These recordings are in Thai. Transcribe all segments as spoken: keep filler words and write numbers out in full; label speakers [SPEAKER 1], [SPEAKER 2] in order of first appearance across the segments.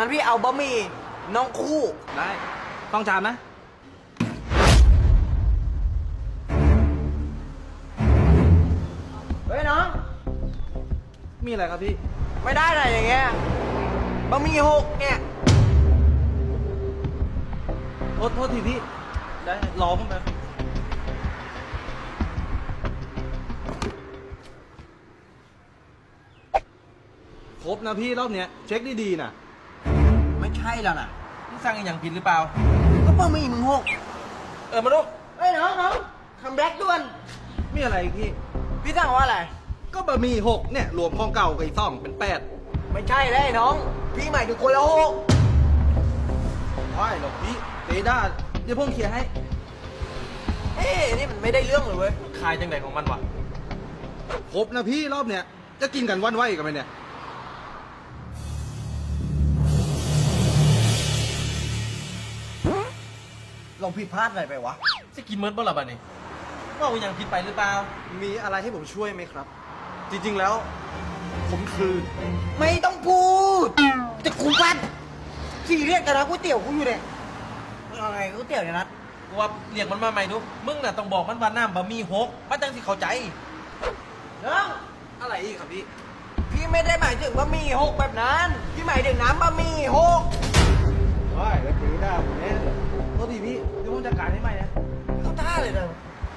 [SPEAKER 1] งั้นพี่เอาบะหมี่น้องคู่
[SPEAKER 2] ได้ต้องจานนะ
[SPEAKER 1] เฮ้ยน้อง
[SPEAKER 2] มีอะไรครับพี่
[SPEAKER 1] ไม่ได้เลยอย่างเงี้ยบะหมี่หกเนี่ย
[SPEAKER 2] โทษโทษทีพี่ ได้รอผมแป๊บครบนะพี่รอบเนี้ยเช็คดีๆนะ
[SPEAKER 1] ไม่ใช่แล้วนะ
[SPEAKER 2] มึงสั่งอย่างผิดหรือเปล่า
[SPEAKER 1] ก็บะหมี่มึงหก
[SPEAKER 2] เออมาดู
[SPEAKER 1] เฮ้ยน้องน้องคัมแบ็กด่วน
[SPEAKER 2] มีอะไรอีกพี่
[SPEAKER 1] พี่สั่งว่าอะไร
[SPEAKER 2] ก็บะหมี่หกเนี่ยรวมของเก่ากับอีกสองเป็นแปด
[SPEAKER 1] ไม่ใช่เลยน้อง พี่หมายถึงคนละหก
[SPEAKER 2] ว้ายหรอกพี่เตด้าเดี๋ยวผมเคลียร์ให้
[SPEAKER 1] เอ้ยนี่มันไม่ได้เรื่องเลยเว้ย
[SPEAKER 2] ขายจังไหนของมันวะครบนะพี่รอบเนี้ยจะกินกันวันไหวกันไหมเนี่ย
[SPEAKER 1] เราผิดพลาดอะไรไปวะ
[SPEAKER 3] จะกินเมิร์ดบ่ล่ะบ้านี่ว่าอย่างผิดไปหรือเปล่า
[SPEAKER 2] มีอะไรให้ผมช่วยไหมครับ จริงๆแล้ว ผมคือ
[SPEAKER 1] ไม่ต้องพูดจะกูปัดสี่เรียกกันนะก๋วยเตี๋ยวกูอยู่เนี่ยมึงเอาไงก๋วยเตี๋ยวเนี่ยนัด
[SPEAKER 3] กูว่าเรียกมันมาใหม่ดู มึงน่ะต้องบอกมันว่าน้ำบะหมี่หกมันจังสิเข้าใจ
[SPEAKER 1] น้อง
[SPEAKER 2] อะไรอีกครับพี่
[SPEAKER 1] พี่ไม่ได้หมายถึงบะหมี่หกแบบนั้น พี่หมายถึงน้ำบะหมี่หก
[SPEAKER 2] ว้ายแล้วเตด้าผมเนี่ยโทษทีพี่เดี๋ยวผมจัดการให้ใหม่นะ
[SPEAKER 1] เข้าท่าเลยนะ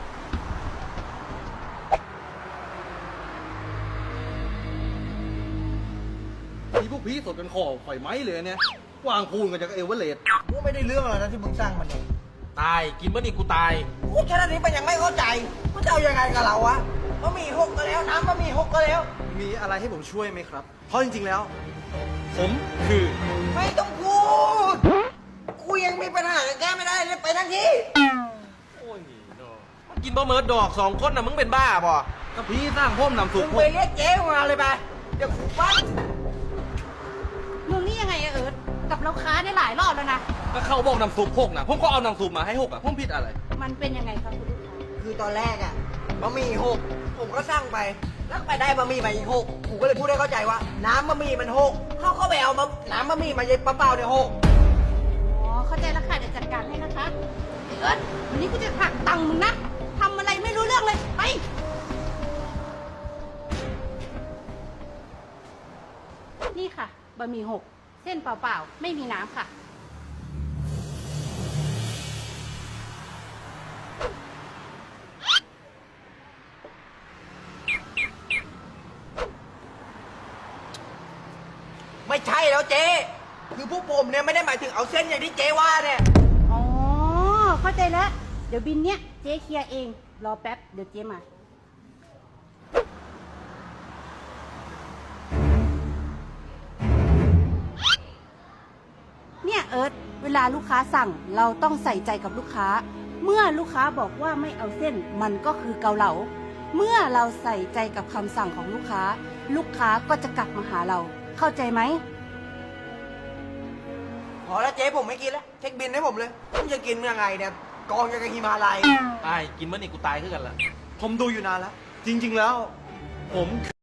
[SPEAKER 2] ที่พวกพี่สดกันคอไฟไหม้เลยเนี่ยกวางพูนกันจากเอเวอเรสต์
[SPEAKER 1] กูไม่ได้เรื่องอะไรนะที่มึงสร้างมันเนี่ย
[SPEAKER 3] ตาย กินเมื่อนี่กูตาย
[SPEAKER 1] พูดแค่นี้มันยังไม่เข้าใจว่าจะเอายังไงกับเราวะบะหมี่หกก็แล้วน้ำบะหมี่หกก็แล้ว
[SPEAKER 2] มีอะไรให้ผมช่วยไหมครับ เพราะจริงๆแล้ว ผมคือ
[SPEAKER 1] ไม่ต้องพูด กูยังมีปัญหาแก้ไม่ได้เลยไปทั้งที่
[SPEAKER 3] โอ้ยเนาะมันกินบะเมิร์ดดอกสองคนน่ะมึงเป็นบ้าบ่
[SPEAKER 2] ก็พี่สร้างพ่มนำสุ
[SPEAKER 1] มึ
[SPEAKER 2] ก
[SPEAKER 1] ง
[SPEAKER 2] ผ
[SPEAKER 1] ไป
[SPEAKER 2] ม
[SPEAKER 1] เรียกเจ๊มาเลยไป เดี๋ยวกูปั้น
[SPEAKER 4] มึงนี่ยังไงอะเอิร์ธกับเราค้าได้หลายรอบแล้วนะ
[SPEAKER 2] ก็เขาบอกนำซุปหกนะผมก็เอานำซุปมาให้หกอ่ะผมผิดอะไร
[SPEAKER 4] มันเป็นยังไงครับคุณลูกค้า
[SPEAKER 1] คือตอนแรกอะบะหมี่หกผมก็สั่งไป แล้วไปได้บะหมี่มาอีกหกผมก็เลยพูดให้เข้าใจว่า น้ำบะหมี่มันหกเขาเข้าไปเอามาน้ำบะหมี่มาเย็นเปล่าๆเนี่ยหก
[SPEAKER 4] อ๋อ เข้าใจแล้วค่ะเดี๋ยวจัดการให้นะคะไอ้เอิร์ธวันนี้กูจะหักตังค์มึงนะทำอะไรไม่รู้เรื่องเลย ไป นี่ค่ะ บะหมี่หก เส้นเปล่าๆ ไม่มีน้ำค่ะ
[SPEAKER 1] ไม่ใช่แล้วเจ๊คือพวกผมเนี่ยไม่ได้หมายถึงเอาเส้นอย่างที่เจ๊ว่าเนี่ย
[SPEAKER 4] อ๋อ เข้าใจแล้ว เดี๋ยวบินเนี้ยเจ๊เคลียร์เอง รอแป๊บ เดี๋ยวเจ๊มา เนี่ยเอิร์ธเวลาลูกค้าสั่งเราต้องใส่ใจกับลูกค้า เมื่อลูกค้าบอกว่าไม่เอาเส้นมันก็คือเกาเหลา เมื่อเราใส่ใจกับคำสั่งของลูกค้า ลูกค้าก็จะกลับมาหาเรา เข้าใจไหม
[SPEAKER 1] พอแล้วเจ๊ผมไม่กินแล้วเช็คบินให้ผมเลยผมจะกินยังไงเนี่ยกองยังกับฮิมาลัย
[SPEAKER 3] ตาย กินเมื่อนี่กูตายขึ้นกันละ
[SPEAKER 2] ผมดูอยู่นานแล้ว จริงๆแล้ว ผม